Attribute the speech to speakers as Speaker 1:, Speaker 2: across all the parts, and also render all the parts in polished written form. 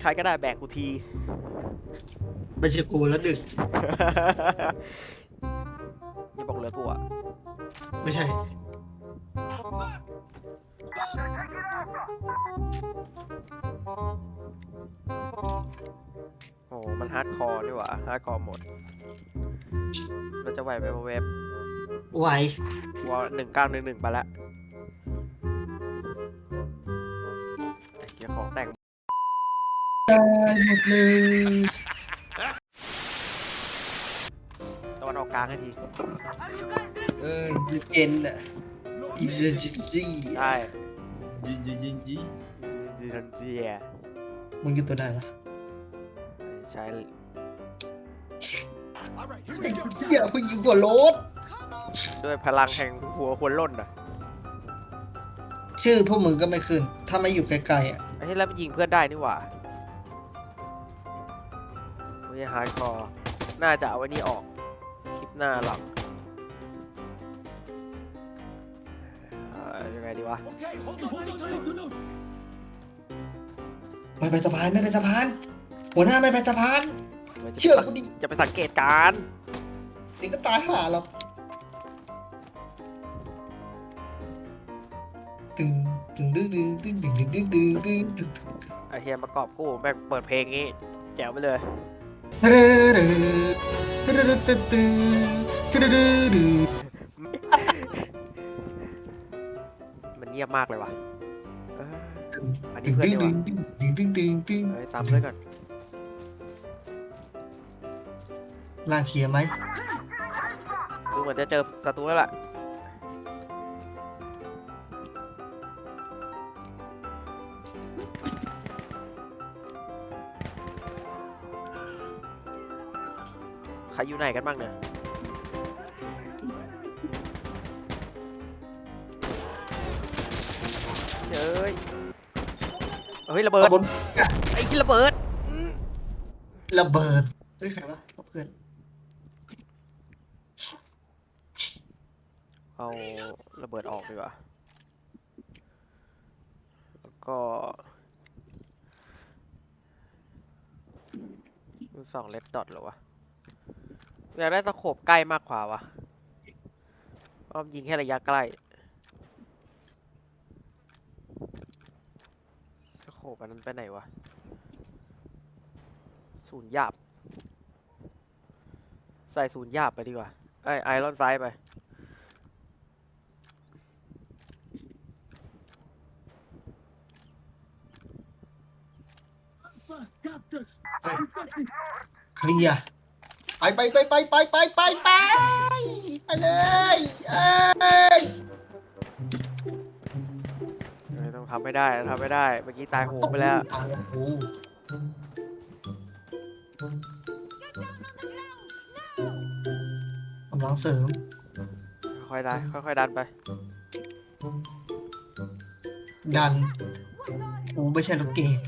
Speaker 1: รก็ได้แบกกูที
Speaker 2: ไม่ใช่กูแล้วดึก
Speaker 1: อย่าบอกเหลือกูอ่ะ
Speaker 2: ไม่ใช่
Speaker 1: โอ้มันฮาร์ดคอร์นี่หว่าฮาร์ดคอร์หมดเราจะไหวไหมเว็บ
Speaker 2: ไหว
Speaker 1: ว่า1911ไปแล้วไอ้เกี่ยของแต่ง
Speaker 2: ได้หมดเลย
Speaker 1: ตะวันออกกลางให้ที
Speaker 2: ยูเจนอะอีเซนจิซี่
Speaker 1: ได้
Speaker 3: ยิง
Speaker 1: ดีทันเจีย
Speaker 2: มึงอยู่ตัวไหนวะ
Speaker 1: ใช้
Speaker 2: ไอ้เหี้ยมึงยิงหัวรถ
Speaker 1: ด้วยพลังแห่งหัวควรล่นอ่ะ
Speaker 2: ชื่อพวกมึงก็ไม่ขึ้น ถ้าไม่อยู่ไกลๆอ่ะ
Speaker 1: ไอ้ที่แล้วมันยิงเพื่อนได้นี่หว่าไม่ฮาร์ดคอร์น่าจะเอาไว้นี่ออกคลิปหน้าหลังยังไงดีวะ
Speaker 2: ไม่ไปสะพานไม่ไปสะพาน หัวหน้าไม่ไปสะพาน
Speaker 1: จะ
Speaker 2: เชื่อกูดิ
Speaker 1: จะไปสังเกตการณ์
Speaker 2: เดี๋ยวก็ตายห่าเราตึงตึงดึงดึงตึงดึงดึงดึงดึงดึงตึง
Speaker 1: ไอเฮียประกอบกู้แม่งเปิดเพลงงี้แจ๋วไปเลย มันเงียบมากเลยว่ะอันนี้เพื่อนดีกว่าเฮ้ยตามเพื่อนก่อน
Speaker 2: ล่างเคลียร์ไหม
Speaker 1: ดูเหมือนจะเจอศัตรูแล้วล่ะใครอยู่ไหนกันบ้างเนี่ยเฮ้ยเฮ้ยระเบิด
Speaker 2: บน
Speaker 1: ไอ้ที่ระเบิด
Speaker 2: ระเบิดเฮ้ยใครวะเพื่อน
Speaker 1: เอาระเบิดออกดีกว่าแล้วก็2เลดดอทเหรอวะอยากได้ตะโขบใกล้มากกว่าวะอ้อมยิงแค่ระยะใกล้ตะโขบอันนั้นไปไหนวะศูนย์หยาบใส่ศูนย์หยาบไปดีกว่าไอรอนไซด์ไป
Speaker 2: เคลียร์ไปเลยเอ้ย
Speaker 1: ต้องทำไม่ได้เมื่อกี้ตายโหงไปแล้ว
Speaker 2: กำลังเสริม
Speaker 1: ค่อยดันไป
Speaker 2: ดันกูไม่ใช่รถเกม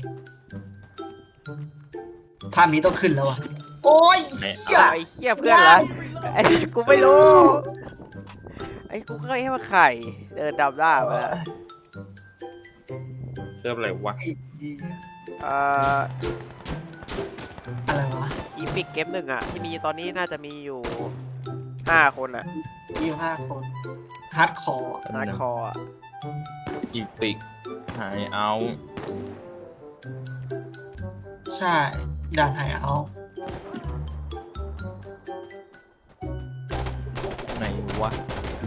Speaker 2: ภาพนี้ต้องขึ้นแล้วอ่ะ โอ้ยเหี้ย
Speaker 1: ไอ้เหี้ยเพื่อนเหรอไอ้กูไม่รู้ไอ้กูก็แค่มาไข่เดินดำหน้ามาแล้ว
Speaker 3: เซิร์ฟอะไรวะ
Speaker 2: อะไรวะ
Speaker 1: อีพิกเกมหนึ่งอ่ะที่มีตอนนี้น่าจะมีอยู่5 คนอ่ะ
Speaker 2: 25 คนฮาร์ดคอร์
Speaker 1: ฮาร์ดคอร์
Speaker 3: อีปิกหายเอา
Speaker 2: ใช่ด่านไฮเอา
Speaker 3: ไหนวะ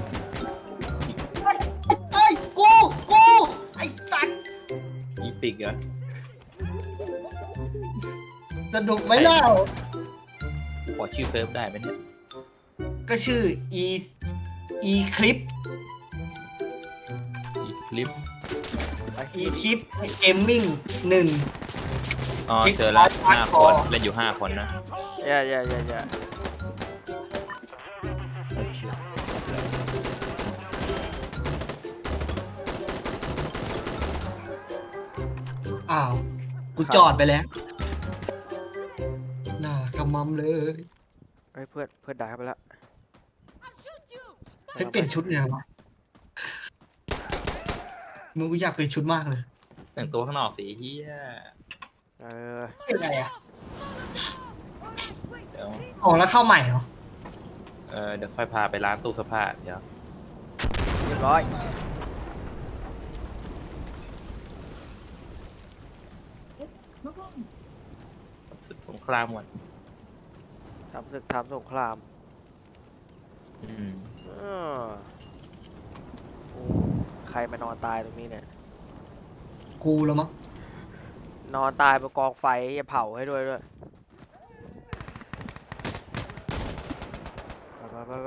Speaker 2: เอ้ยกูไอ้สัตว์
Speaker 3: อีปิกอะ
Speaker 2: สนุกไหมเล่า
Speaker 3: ขอชื่อเซิร์ฟได้ไหมเนี่ย
Speaker 2: ก็ชื่อ e คลิป
Speaker 3: อีคลิป
Speaker 2: e ชิปเกมมิ่ง
Speaker 3: อ๋อเจอแล้ว5 คนเล่นอยู่5 คนนะ
Speaker 1: อย่า
Speaker 3: โอเค
Speaker 2: อ้าวกูจอดไปแล้วน่ากำมัมเลย
Speaker 1: ไอ้เพื่อนด่าไปแล้ว
Speaker 2: ให้เปลี่ยนชุดไงวะมึงกูอยากเปลี่ยนชุดมากเลย
Speaker 3: แต่งตัวข้างนอกสีเฮีย
Speaker 1: เออ
Speaker 2: เป็นไงอ่ะ
Speaker 3: เดี๋ยว
Speaker 2: ออกแล้วเข้าใหม่เหรอ
Speaker 3: เดี๋ยวค่อยพาไปร้านตู้เสื้อผ้าเดี๋ยว
Speaker 1: เรียบร้อย
Speaker 3: ศึกสงครามก่อน
Speaker 1: ทำศึกทำสงคราม
Speaker 3: อืม
Speaker 1: อ้อโอ้ใครมานอนตายตรงนี้เนี่ย
Speaker 2: กูแล้วมั้ง
Speaker 1: นอนตายบนกองไฟอย่าเผาให้ด้วยไป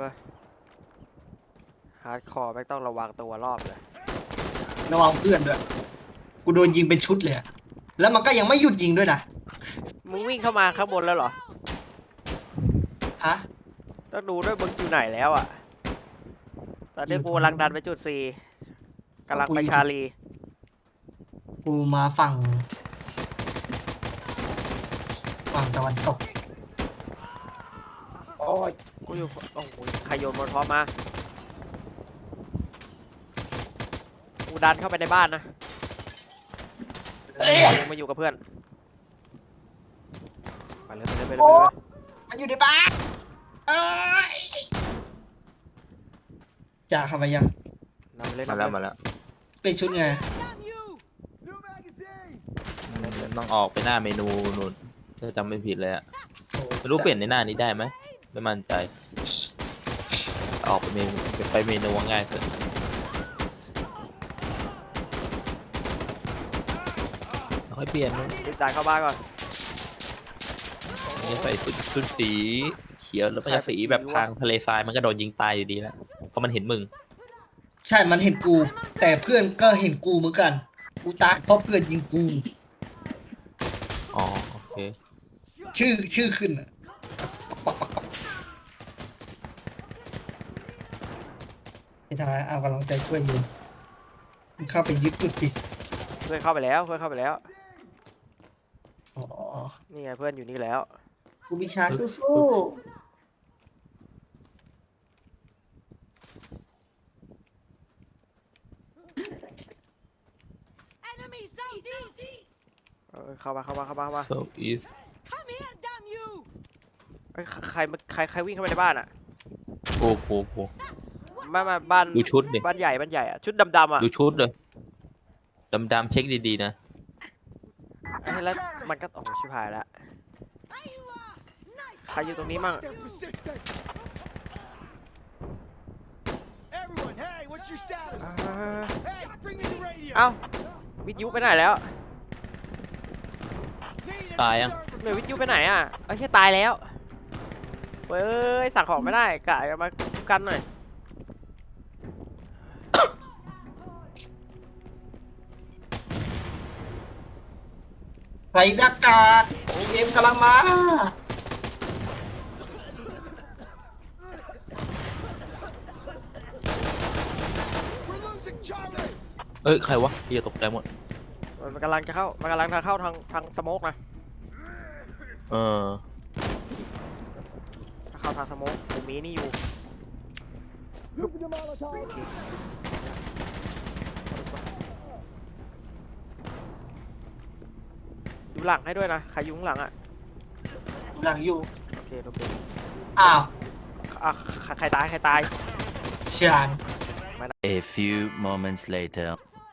Speaker 1: ฮาร์ดคอร์ไม่ต้องระวังตัวรอบเลย
Speaker 2: ระวังเพื่อนด้วย กูโดนยิงเป็นชุดเลยอะแล้วมันก็ยังไม่หยุดยิงด้วยนะ
Speaker 1: มึงวิ่งเข้ามาข้างบนแล้วเหรอ
Speaker 2: ฮะ
Speaker 1: ต้องดูด้วยมึงอยู่ไหนแล้วอ่ะ ตอนนี้กูกำลังดันไปจุด C กำลังไปชาลี
Speaker 2: กูมาฝั่งตะวันตก
Speaker 3: โอ้ย
Speaker 1: กูอยู่โอ้โหใครโยนบอลพร้อมมากูดันเข้าไปในบ้านนะมาอยู่กับเพื่อนไปเลย
Speaker 2: มันอยู่ในบ้านเอ้ยจ่าเข้าไปยัง
Speaker 1: นำไปเลย
Speaker 3: มาแล้วมาแล้ว
Speaker 2: เป็นชุดไง
Speaker 3: ต้องออกไปหน้าเมนูนู่นถ้าจำไม่ผิดเลยอะไม่รู้เปลี่ยนในหน้านี้ได้ไหมไม่มั่นใจ ออกไปเมนูง่ายสุดค่อยเปลี่ยน
Speaker 1: รีบดันเข้าบ้านก่อน
Speaker 3: นี่ใส่ชุดสีเขียวแล้วมันจะสีแบบทางทะเลทรายมันก็โดนยิงตายอยู่ดีแล้วเพราะมันเห็นมึง
Speaker 2: ใช่ มันเห็นกู แต่เพื่อนก็เห็นกูเหมือนกัน กูตายเพราะเพื่อนยิงกู
Speaker 3: อ๋อโอเค
Speaker 2: ชื่อขึ้นอะไม่ได้เอากำลังใจช่วยยิงมึงเข้าไปยึดจุดดิ
Speaker 1: เพื่อนเข้าไปแล้ว
Speaker 2: อ๋อ
Speaker 1: นี่ไงเพื่อนอยู่นี่แล้ว
Speaker 2: กูมีชาสู้
Speaker 1: เข้ามา
Speaker 3: so is
Speaker 1: เอ้ยใครวิ่งเข้าไปในบ้านอ่ะ
Speaker 3: โอ้โห
Speaker 1: มาบ้าน
Speaker 3: ดูชุดดิ
Speaker 1: บ้านใหญ่อ่ะชุดดำๆอ่ะ
Speaker 3: ดูชุดเลยดำๆเช็คดีๆนะ
Speaker 1: ไอ้แล้วมันก็โอ้โหชิบหายแล้วใครอยู่ตรงนี้มั่ง
Speaker 4: Everyone, hey, what's your status?
Speaker 1: เ
Speaker 4: Hey, bring me the radio.
Speaker 1: อ้าวิทยุไปไหนแล้ว
Speaker 4: Need an
Speaker 3: ตายยัง
Speaker 4: observer.
Speaker 1: หน่วยวิทยุไปไหนอ่ะเอ้ยแค่ตายแล้วเฮ้ยสั่งของไม่ได้กะมากันหน่อย
Speaker 2: ๆใส่หน้ากากเอ็มกำลังมา
Speaker 4: We're losing Charlie.
Speaker 3: เอ้ยใครวะเฮียตกใจหมด
Speaker 1: มันกำลังจะเข้าทางสโมกนะ
Speaker 3: เออ
Speaker 1: เข้าทางสโมกผมมีนี่อยู่ดูหลังให้ด้วยนะใครอยู่ข้างหลังอ่ะ
Speaker 2: หลังอยู่
Speaker 1: โอเค
Speaker 2: อ้าว
Speaker 1: อ่ะใครตาย
Speaker 2: เชียน
Speaker 5: A few moments later.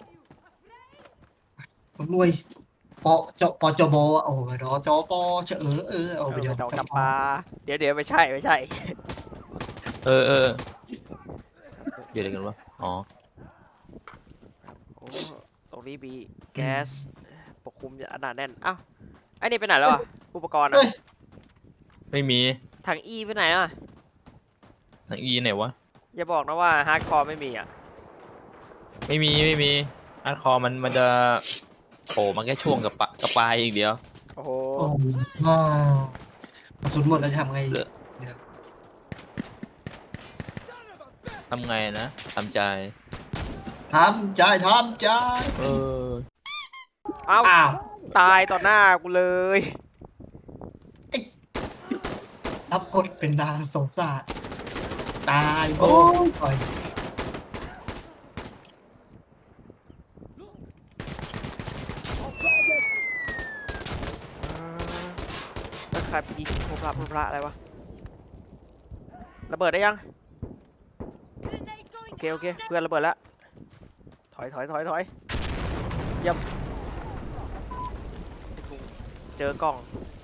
Speaker 2: ผมรวยปจบโอ้โหดอจอปอเชเอาไปเดี๋ยว
Speaker 1: ดอกจำปาเดี๋ยวไม่ใช่
Speaker 3: เออเดี๋ยวอะไรกันวะอ๋อ
Speaker 1: โอ้ตรงนี้มีแก๊สปกคลุมอันหนาแน่นอ้าวไอ้นี่ไปไหนแล้วอ่ะอุปกรณ์อ่ะ
Speaker 2: เฮ้ย
Speaker 3: ไม่มี
Speaker 1: ถังอีไปไหนอ่ะ
Speaker 3: ทางอีไหนวะ
Speaker 1: อย่าบอกนะว่าฮาร์ดคอร์ไม่มีอ่ะ
Speaker 3: ไม่มีอาร์คอร์มันจะโผล่มาแค่ช่วงกับปลายอีกเดียว
Speaker 1: โอ้โห
Speaker 2: โอ้โหกระสุนหมดแล้วจะทำไง
Speaker 3: เหลือ ทำไงนะทำใจ
Speaker 2: ทำใจ
Speaker 3: เออ
Speaker 1: เอ้า
Speaker 2: อ้าว
Speaker 1: ตายต่อหน้ากูเลย
Speaker 2: รับบทเป็นนางสงสารตายโอ้ย
Speaker 1: ครไปยิงพระอะไรวะระเบิดได้ยังโอเคเพื่อนระเบิดแล้วถอยเยี่ยมเจอกล่อง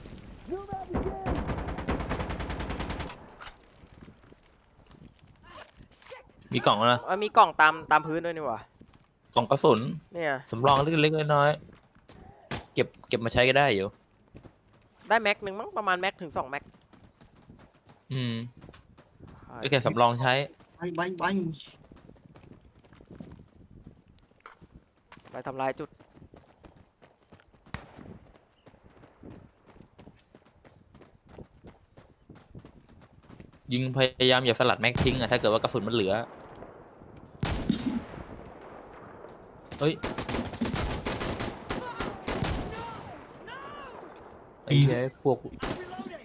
Speaker 3: มีกล่องแล้วนะ
Speaker 1: มีกล่องตามพื้นด้วยนี่หว่าก
Speaker 3: ล่องกระสุน
Speaker 1: เนี่ย
Speaker 3: สำรองเล็กๆน้อยๆเก็บมาใช้ก็ได้อยู่
Speaker 1: ได้แม็กหนึ่งมั้งประมาณแม็กถึง2 แม็ก
Speaker 3: ก็แค่สำรองใช้
Speaker 1: ไปทำลายจุด
Speaker 3: ยิงพยายามอย่าสลัดแม็กทิ้งอะถ้าเกิดว่ากระสุนมันเหลือ เฮ้ยไอ้เหี้ยพวก
Speaker 4: I'm reloading.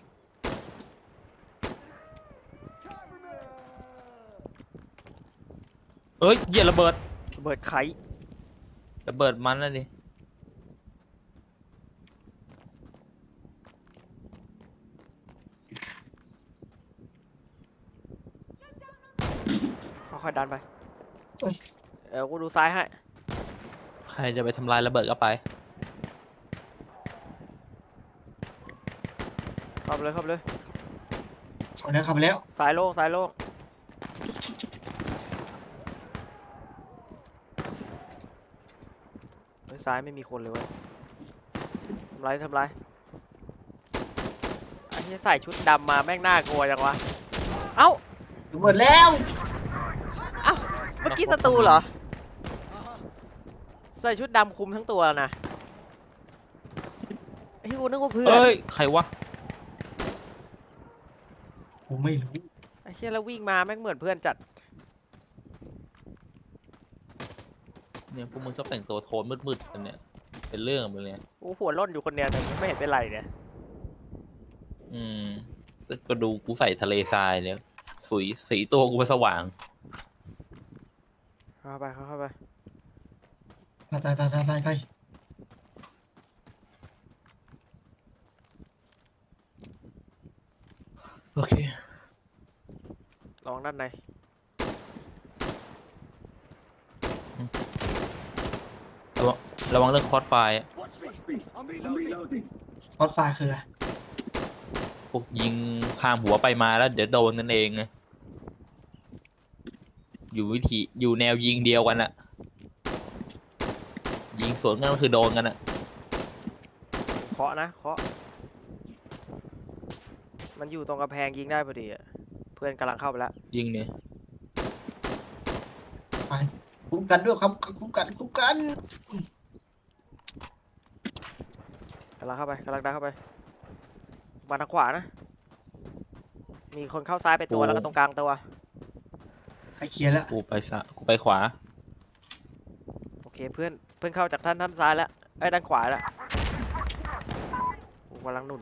Speaker 3: เอ้ยเหี้ยระเบิด
Speaker 1: ระเบิดไข
Speaker 3: ระเบิดมันนะดิ
Speaker 1: ค่อยๆดันไปกูดูซ้ายให้
Speaker 3: ใครจะไปทำลายระเบิดก็ไป
Speaker 1: เข้าไปเลย
Speaker 2: เข้าไปแล้ว
Speaker 1: ซ้ายโล่งเฮ้ยซ้ายไม่มีคนเลยเว้ยทำไรไอ้ที่ใส่ชุดดำมาแม่งน่ากลัวจังวะเอ้า
Speaker 2: หมดแล้ว
Speaker 1: เมื่อกี้ศัตรูเหรอใส่ชุดดำคุมทั้งตัวนะไอ้ที่กูนึกว่าเพื่อน
Speaker 3: เอ้ยใครวะ
Speaker 2: ผมไม่รู้
Speaker 1: ไอ้เหี้ยแล้ววิ่งมาแม่งเหมือนเพื่อนจัด
Speaker 3: เนี่ยพวกมึงชอบแต่งตัวโทนมืดๆกันเนี่ยเป็นเรื่องไปเลย
Speaker 1: กูหัวร่นอยู่คนเดียวแต่ไม่เห็นเป็นไรเนี่ย
Speaker 3: ก็ดูกูใส่ทะเลทรายเนี่ยสีตัวกูไปสว่าง
Speaker 1: เข้าไป
Speaker 2: ไป
Speaker 3: โอเค
Speaker 1: ลองด้านใน
Speaker 3: ระวังเรื่องคอร์สไฟล์
Speaker 4: Watch me. I'm reloading.
Speaker 2: รถไฟคืออะไร
Speaker 3: พวกยิงข้ามหัวไปมาแล้วเดี๋ยวโดนกันเองไงอยู่แนวยิงเดียวกันอะยิงสวนกันก็คือโดนกันอะ
Speaker 1: เคาะมันอยู่ตรงกระแพงยิงได้พอดีอะเพื่อนกำลังเข้าไปแล้ว
Speaker 3: ยิงเนี่ย
Speaker 2: คุ้มกันด้วยครับคุ้มกัน
Speaker 1: กำลังดันเข้าไปมาทางขวานะ มีคนเข้าซ้ายไปตัวแล้วก็ตรงกลางตัว
Speaker 2: ใครเคลียร์แล้ว
Speaker 3: กูไปขวา
Speaker 1: โอเคเพื่อนเข้าจากท่านซ้ายแล้วด้านขวาแล้วกูกำลังหนุน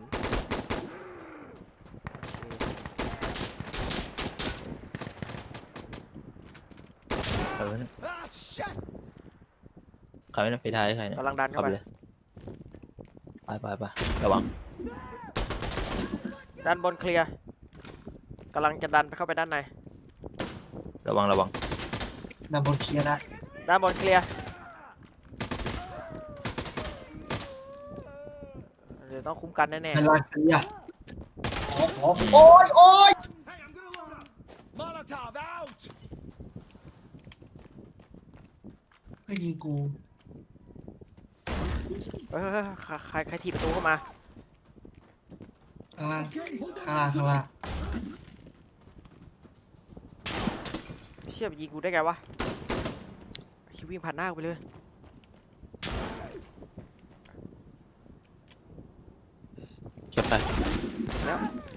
Speaker 3: ใครวะเนี่ย
Speaker 4: Ah, shit.
Speaker 3: ใครวะเนี่ยไปท้ายใครเนี่ย
Speaker 1: กำลังดันเข้าไป
Speaker 3: เลยไประวัง
Speaker 1: ด้านบนเคลียร์กำลังจะดันเข้าไปด้านใน
Speaker 3: ระวัง
Speaker 2: นำบนเคลียร์ได้
Speaker 1: ด้านบนเคลียร์เดี๋ยวต้องคุ้มกันแน่
Speaker 2: เป็นรอยเคลียร์โอ้ย
Speaker 4: Hey, I'm gonna load up. Molotov out.
Speaker 2: เฮ้ยยิงกู
Speaker 1: ๆใครถีบประตูเข้ามา
Speaker 2: ข้างล่าง
Speaker 1: เชี่ยไปยิงกูได้ไงวะคิววิ่งผ่านหน้ากูไปเลย
Speaker 3: เก็บไป
Speaker 1: แล้ว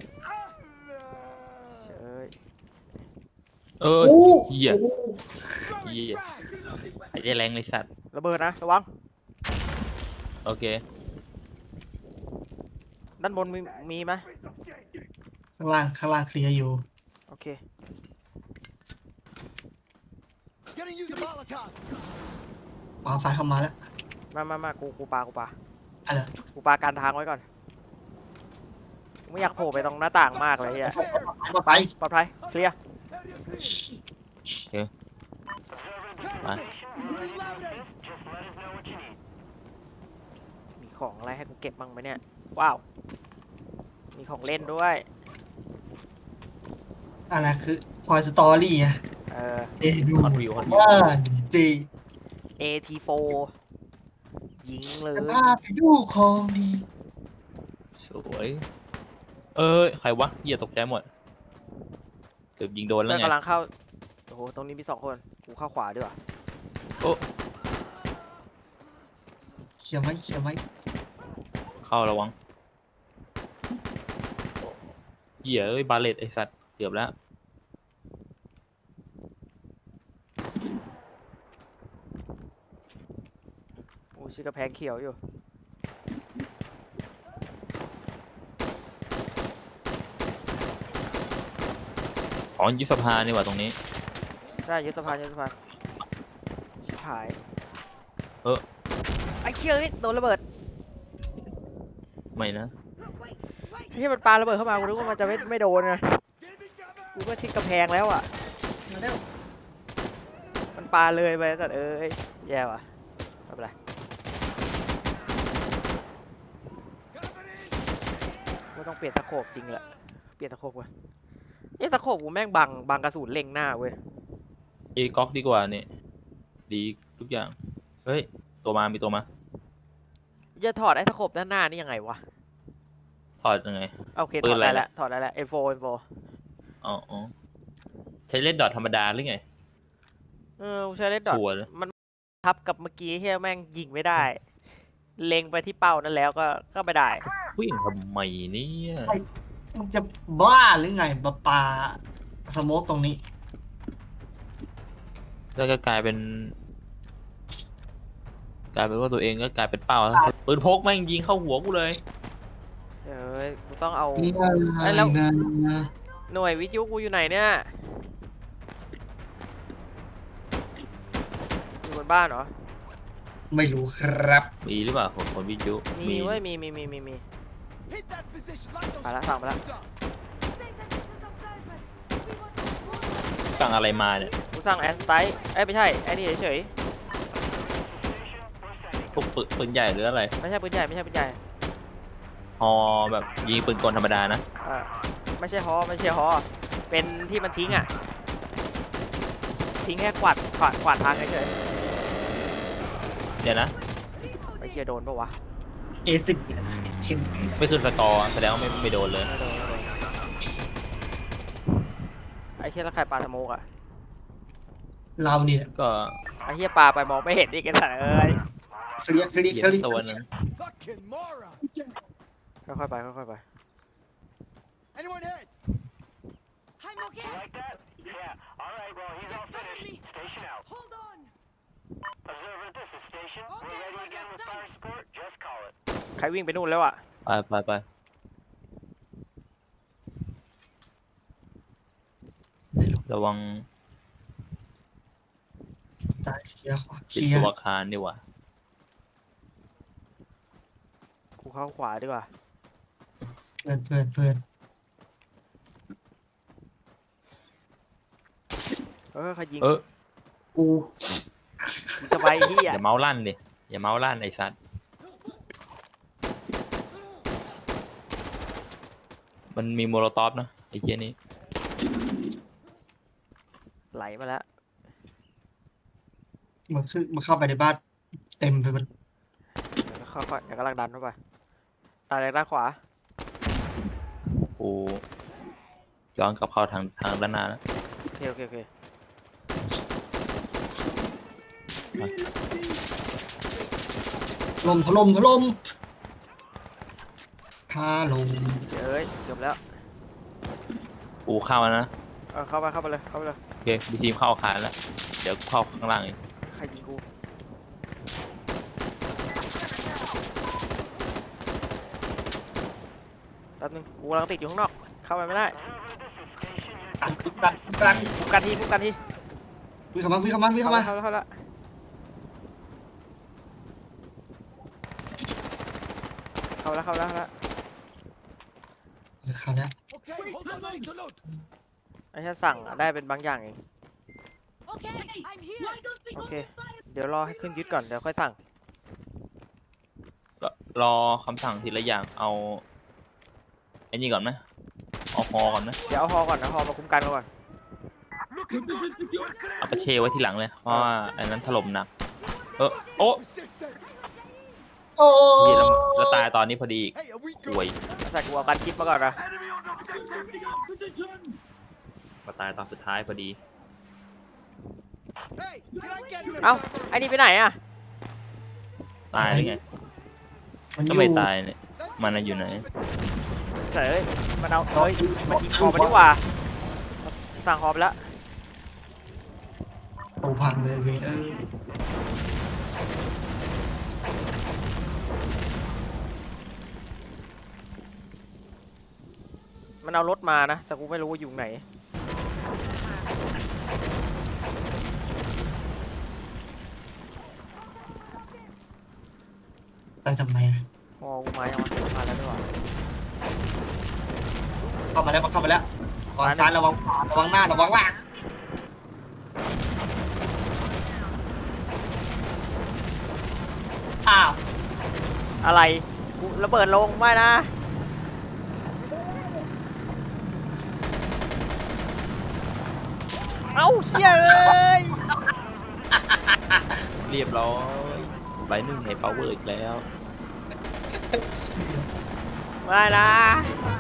Speaker 1: เชย
Speaker 3: เหี้ย
Speaker 4: Throwing
Speaker 3: Yeah.
Speaker 4: frag.
Speaker 3: หายใจแรงเลยสัตว์
Speaker 1: ระเบิดนะระวัง
Speaker 3: โอเค
Speaker 1: ด้านบนมีไหม
Speaker 2: ข้างล่างเคลียร์อยู่
Speaker 1: โอเค
Speaker 4: Gonna use a Molotov.
Speaker 2: ปาไฟเข้ามาแล้ว
Speaker 1: มากูปา
Speaker 2: อะไร
Speaker 1: กูปาการทางไว้ก่อนไม่อยากโผล่ไปตรงหน้าต่างมากเลยอ่ะ
Speaker 2: มาไป
Speaker 1: ปลอดภัยเคลียร์
Speaker 3: มา
Speaker 4: Reloading.
Speaker 1: มีของอะไรให้กูเก็บบ้างไหมเนี่ยว้าวมีของเล่นด้วย
Speaker 2: อะไรคือคอยสตอรี่อะ เดดู
Speaker 3: ฮอตวิวฮอตวิว
Speaker 2: ว่าดี
Speaker 1: AT4 ยิงเลย
Speaker 2: จะพาไปดูของดี
Speaker 3: สวยใครวะเหี้ยตกใจหมดเกือบยิงโดนแล้
Speaker 1: เพื่
Speaker 3: ว
Speaker 1: อน
Speaker 3: ไง
Speaker 1: กำลังเข้าโอ้โหตรงนี้มี2 คนกูเข้าขวาดีกว่า
Speaker 2: เขียวไหมเขียวไหม
Speaker 3: เข้าระวังเหี้ยบาเลตไอสัตว์เกือบแล้ว
Speaker 1: โอ้ชิกระแพงเขียวอยู่
Speaker 3: อ๋อยุบสภานี่หว่าตรงนี้
Speaker 1: ได้ยึดสะพานชิบหาย
Speaker 3: เออ
Speaker 1: ไอ้เชี่ยเอ้ยโดนระเบิด
Speaker 3: ไม่นะ
Speaker 1: ไอ้เชี่ยมันปาระเบิดเข้ามากูนึกว่ามันจะไม่โดนไง
Speaker 4: Giving cover.
Speaker 1: กูก็ชิดกำแพงแล้วอ่ะมันปาเลยไปแต่แย่ว่ะไม่เป็นไร
Speaker 4: Covering.
Speaker 1: ไม่ต้องเปลี่ยนตะโขบจริงแหละเปลี่ยนตะโขบก่อนตะโขบกูแม่งบังกระสุนเล็งหน้าเว้ย
Speaker 3: ก๊อกดีกว่าเนี่ยดีทุกอย่างเฮ้ยตัวมามีตัวมา
Speaker 1: จะถอดไอ้ตะโขบด้านหน้านี่ยังไงวะ
Speaker 3: ถอดยังไง
Speaker 1: โอเค
Speaker 3: ปื
Speaker 1: ถ
Speaker 3: น
Speaker 1: อด
Speaker 3: อะไร
Speaker 1: ได้
Speaker 3: นะ
Speaker 1: แล้วถอดได้แล้ว M4
Speaker 3: อ๋อใช้เล่นดอทธรรมดาหรือไง
Speaker 1: กูใช้เลดดอท
Speaker 3: ชัวร์เลย
Speaker 1: มันทับกับเมื่อกี้ที่แม่งยิงไม่ได้ เล็งไปที่เป้านั่นแล้วก็ไม่ได้
Speaker 3: วิ่งทำไมเนี่ย
Speaker 2: มึงจะบ้าหรือไงปาสโมกตรงนี้
Speaker 3: แล้วก็กลายเป็นว่าตัวเองก็กลายเป็นเป้าแล้วปืนพกแม่งยิงเข้าหัวกูเลย
Speaker 1: กูต้องเอา
Speaker 2: นี่
Speaker 1: ไอ้แล้ว
Speaker 2: นะ
Speaker 1: หน่วยวิทยุกูอยู่ไหนเนี่ยอยู่บนบ้านเหรอ
Speaker 2: ไม่รู้ครับ
Speaker 3: มีหรือเปล่าคนวิทยุ
Speaker 1: มีเว้ยมี
Speaker 4: Hit that position. Light those
Speaker 1: ไปละสั่งไปละ
Speaker 4: up.
Speaker 3: สั่งอะไรมาเนี่ย
Speaker 1: กูสั่งแอนสไตไม่ใช่ไอ้นี่เฉย
Speaker 3: พวกปืนใหญ่หรืออะไร
Speaker 1: ๆไม่ใช่ปืนใหญ่ไม่ใช่ปืนใหญ่
Speaker 3: ฮอแบบยิงปืนกลธรรมดานะ
Speaker 1: ไม่ใช่ฮอเป็นที่มันทิ้งอ่ะทิ้งแค่กวาดทางเฉย
Speaker 3: เดี๋ยวนะ
Speaker 1: ๆไอ้เชี่ยโดนปะวะ
Speaker 2: A10 ชิม
Speaker 3: ไม่ขึ้นสกอร์แสดงว่าไม่โดนเลย
Speaker 1: ไม่โดนไอ้เชี่ยแล้วใครปาสโมกอ่ะ
Speaker 2: เราเนี่ย
Speaker 3: ก็
Speaker 1: ไอ้เชี่ยปาไปมองไม่เห็นอีกไอ้สัตว์เอ้ย
Speaker 2: เคลียร์
Speaker 3: เหยียบตัวหนึง
Speaker 4: Fucking moron.
Speaker 1: ค่อยๆไป
Speaker 4: Anyone hit?
Speaker 6: I'm okay.
Speaker 7: Like that? Yeah. All right, well, he's
Speaker 6: Just
Speaker 7: all
Speaker 6: cover
Speaker 7: finished.
Speaker 6: me.
Speaker 7: Station out.
Speaker 6: Hold on.
Speaker 7: Observer, this is station.
Speaker 6: Okay,
Speaker 7: We're ready
Speaker 6: Roger,
Speaker 7: again with fire
Speaker 6: thanks.
Speaker 7: support. Just call it.
Speaker 1: ใครวิ่งไปนู่นแล้วอ่ะ
Speaker 3: ไป ระวัง
Speaker 2: ซ้ายเคลียร์ขวาเค
Speaker 3: ติด
Speaker 2: ลียร์
Speaker 3: ตัวอาคารดีกว่า
Speaker 1: กูเข้าขวาดีกว่า
Speaker 2: เพื่อน
Speaker 1: ใครยิง
Speaker 2: กู
Speaker 1: จะไปที่
Speaker 3: อย่าเมาส์ลั่นดิอย่าเมาส์ลั่นไอ้สัตว์มันมีโมโลตอฟนะไอ้เหี้ยนี้
Speaker 1: ไหลมาแล้ว
Speaker 2: มันเข้าไปในบ้านเต็มไปหมด
Speaker 1: ค่อยๆเดี๋ยวกำลังดันเข้าไปดันเลยด้านขวา
Speaker 3: กูย้อนกลับเข้าทางด้านหน้าแล้ว
Speaker 1: โอเค
Speaker 2: ถล่มถล่มคาลง
Speaker 1: เอ้ยเกือบแล้ว
Speaker 3: กูเข้าแล้วนะ
Speaker 1: เข้าไปเลย
Speaker 3: โอเคมีทีมเข้าอาคารแล้วเดี๋ยวกูเข้าข้างล่างเอง
Speaker 1: ใครยิงกูแป๊บนึงกูกำลังติดอยู่ข้างนอกเข้าไปไม่ได้
Speaker 2: ดัน
Speaker 1: คุมกันที
Speaker 2: วิ่งเข้ามา
Speaker 1: เข้าแล้ว
Speaker 4: Hold on, I need to load.
Speaker 1: ไอ้แค่สั่งอะได้เป็นบางอย่างเอง
Speaker 6: Okay, I'm here.
Speaker 1: โอเค เดี๋ยวรอให้ขึ้นยึดก่อน เดี๋ยวค่อยสั่ง
Speaker 3: ก็รอคำสั่งทีละอย่างเอาไอ้นี่ก่อนไหมเอาฮอก่อนไหม
Speaker 1: เดี๋ยวเอาฮอก่อนนะฮอมาคุ้มกันก่อน
Speaker 4: Looking good. We're
Speaker 3: เอา
Speaker 4: clear.
Speaker 3: ไปเชไว้ทีหลังเลยเพราะว่าไอ้นั้นถล่มหนักโอ้
Speaker 4: Resisted.
Speaker 2: โอ้
Speaker 3: ยแล้วตายตอนนี้พอดีอีก
Speaker 4: Hey, are we
Speaker 3: ห่วย
Speaker 4: good?
Speaker 1: แต่กูเอากันชิปมาก่อนนะ
Speaker 4: Enemy on objective.
Speaker 3: มาตายตอนสุดท้ายพอดี
Speaker 4: Hey, did I get in the
Speaker 1: เอ้า
Speaker 4: cover?
Speaker 1: ไอ้นี่ไปไหนอะ
Speaker 3: ตายได้ไง
Speaker 2: มันอ
Speaker 3: ก็
Speaker 2: ยู่
Speaker 3: ไม่ตายเนี่ยมันน่ะอยู่ไหน
Speaker 1: เสยมันเอาเฮ้ยมันยิงฮอมาดีกว่า สั่งฮอไปแล้ว
Speaker 2: โอ้พังเลยเว้ย
Speaker 1: มันเอารถมานะ แต่กูไม่รู้ว่าอยู่ไหน
Speaker 2: ไปทำไมอะ
Speaker 1: ฮอกูมายังวะมาแล้วด้วยวะ
Speaker 2: เข้ามาแล้วเข้ามาแล้วระวังซ้ายระวังขวาระวังหน้าระวังหลังอ้าว
Speaker 1: อะไร กูระเบิดลงไม่นะ เอ้าเฮ้ยเอ้ย
Speaker 3: เรียบร้อยใบหนึ่งให้ power อีกแล้ว
Speaker 1: ไม่นะ
Speaker 2: ไ